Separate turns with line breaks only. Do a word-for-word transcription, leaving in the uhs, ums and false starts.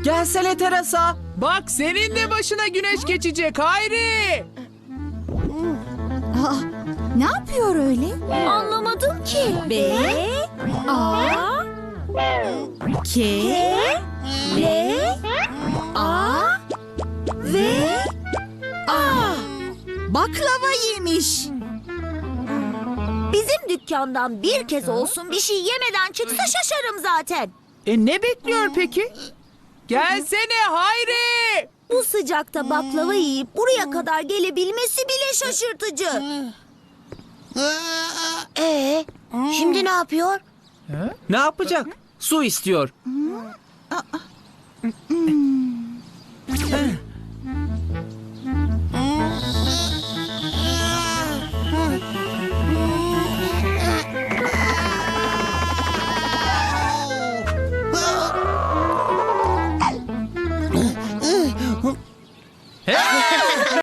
Gelsene Terasa.
Bak senin de başına güneş geçecek Hayri.
Aa, ne yapıyor öyle?
Anlamadım ki.
B, A, K, L, A, V, A. Baklava yemiş.
Bizim dükkandan bir kez olsun bir şey yemeden çıksa şaşarım zaten.
E ne bekliyor peki? Gelsene Hayri.
Bu sıcakta baklava yiyip buraya kadar gelebilmesi bile şaşırtıcı. Ee, şimdi ne yapıyor?
Ne yapacak? Su istiyor.
Hmm.